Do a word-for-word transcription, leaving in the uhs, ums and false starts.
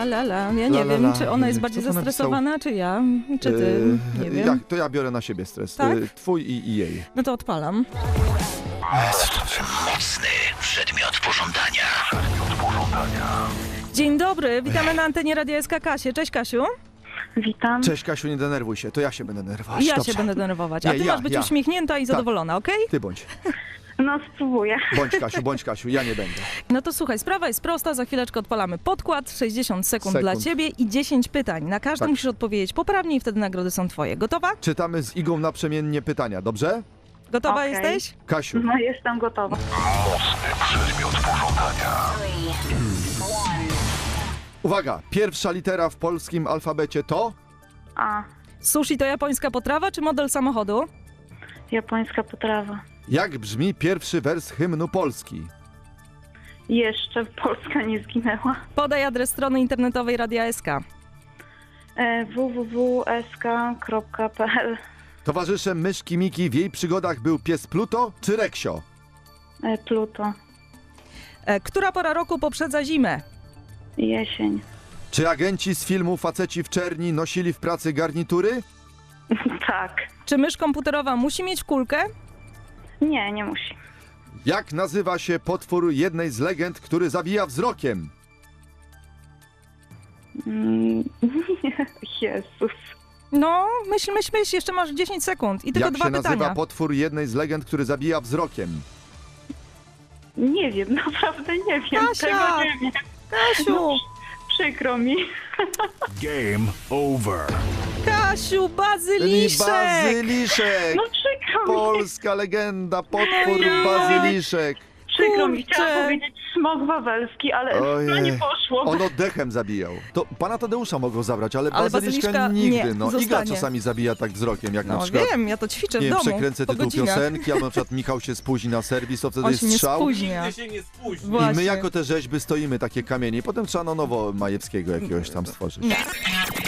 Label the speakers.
Speaker 1: la la la. Ja nie
Speaker 2: La, la,
Speaker 1: wiem,
Speaker 2: la.
Speaker 1: czy ona jest
Speaker 2: Kto
Speaker 1: bardziej
Speaker 2: to napisał?
Speaker 1: zestresowana, czy ja, czy ty,
Speaker 2: Yy,
Speaker 1: nie wiem.
Speaker 2: Jak, to ja biorę na siebie stres.
Speaker 1: Tak?
Speaker 2: Yy, Twój i, i jej.
Speaker 1: No to odpalam.
Speaker 3: Mocny przedmiot pożądania.
Speaker 1: Dzień dobry, witamy na antenie Radia S K Kasię. Cześć Kasiu.
Speaker 4: Witam.
Speaker 2: Cześć Kasiu, nie denerwuj się, to ja się będę denerwować.
Speaker 1: Ja
Speaker 2: Dobrze.
Speaker 1: się będę denerwować, a
Speaker 2: Nie,
Speaker 1: ty
Speaker 2: ja,
Speaker 1: masz być
Speaker 2: ja.
Speaker 1: uśmiechnięta i zadowolona, okej?
Speaker 2: Ty bądź.
Speaker 4: No spróbuję.
Speaker 2: Bądź Kasiu, bądź Kasiu, ja nie będę.
Speaker 1: No to słuchaj, sprawa jest prosta, za chwileczkę odpalamy podkład, sześćdziesiąt sekund,
Speaker 2: Sekund.
Speaker 1: dla ciebie i dziesięć pytań. Na każde
Speaker 2: Tak.
Speaker 1: musisz odpowiedzieć poprawnie i wtedy nagrody są twoje. Gotowa?
Speaker 2: Czytamy z Igą naprzemiennie pytania, dobrze?
Speaker 1: Gotowa
Speaker 4: Okej.
Speaker 1: jesteś?
Speaker 2: Kasiu,
Speaker 4: No jestem gotowa.
Speaker 2: uwaga, pierwsza litera w polskim alfabecie to?
Speaker 4: A,
Speaker 1: Sushi to japońska potrawa czy model samochodu?
Speaker 4: japońska potrawa.
Speaker 2: Jak brzmi pierwszy wers hymnu Polski?
Speaker 4: Jeszcze Polska nie zginęła.
Speaker 1: Podaj adres strony internetowej Radia S K.
Speaker 4: E, w w w kropka s k kropka p l.
Speaker 2: Towarzyszem myszki Miki w jej przygodach był pies Pluto czy Reksio?
Speaker 4: E, Pluto.
Speaker 1: E, która pora roku poprzedza zimę?
Speaker 4: Jesień.
Speaker 2: Czy agenci z filmu Faceci w czerni nosili w pracy garnitury?
Speaker 4: Tak.
Speaker 1: Czy mysz komputerowa musi mieć kulkę?
Speaker 4: Nie, nie musi.
Speaker 2: Jak nazywa się potwór jednej z legend, który zabija wzrokiem?
Speaker 4: Mm, Jezus.
Speaker 1: No, myśl, myśl, myśl, jeszcze masz dziesięć sekund i tylko
Speaker 2: Jak
Speaker 1: dwa
Speaker 2: się nazywa
Speaker 1: pytania.
Speaker 2: potwór jednej z legend, który zabija wzrokiem?
Speaker 4: Nie wiem, naprawdę nie wiem.
Speaker 1: Kasia!
Speaker 4: Tego nie wiem.
Speaker 1: Kasiu,
Speaker 4: Przykro mi.
Speaker 3: Game over.
Speaker 1: Kasiu, bazyliszek!
Speaker 2: Bazyliszek!
Speaker 4: No przykro mi.
Speaker 2: Polska legenda, potwór
Speaker 4: Ojej.
Speaker 2: bazyliszek.
Speaker 4: Przykro mi.
Speaker 1: Kurczę.
Speaker 4: Chciałam powiedzieć smok wawelski, ale
Speaker 2: Ojej.
Speaker 4: no nie poszło.
Speaker 2: On oddechem zabijał. To pana Tadeusza mogło zabrać, ale,
Speaker 1: Ale
Speaker 2: bazyliszka,
Speaker 1: bazyliszka
Speaker 2: nigdy.
Speaker 1: nie,
Speaker 2: no. Iga
Speaker 1: zostanie.
Speaker 2: czasami zabija tak wzrokiem, jak na
Speaker 1: No
Speaker 2: przykład...
Speaker 1: wiem, ja to ćwiczę
Speaker 2: Nie
Speaker 1: w
Speaker 2: wiem,
Speaker 1: domu,
Speaker 2: przekręcę
Speaker 1: po
Speaker 2: tytuł
Speaker 1: godzinach.
Speaker 2: piosenki, albo na przykład Michał się spóźni na serwis, to wtedy
Speaker 1: On
Speaker 2: jest
Speaker 1: się nie
Speaker 2: strzał.
Speaker 1: spóźnia.
Speaker 5: się nie spóźni.
Speaker 2: I
Speaker 1: Właśnie.
Speaker 2: my jako te rzeźby stoimy, takie kamienie. I potem trzeba na nowo Majewskiego jakiegoś tam stworzyć.
Speaker 1: Nie.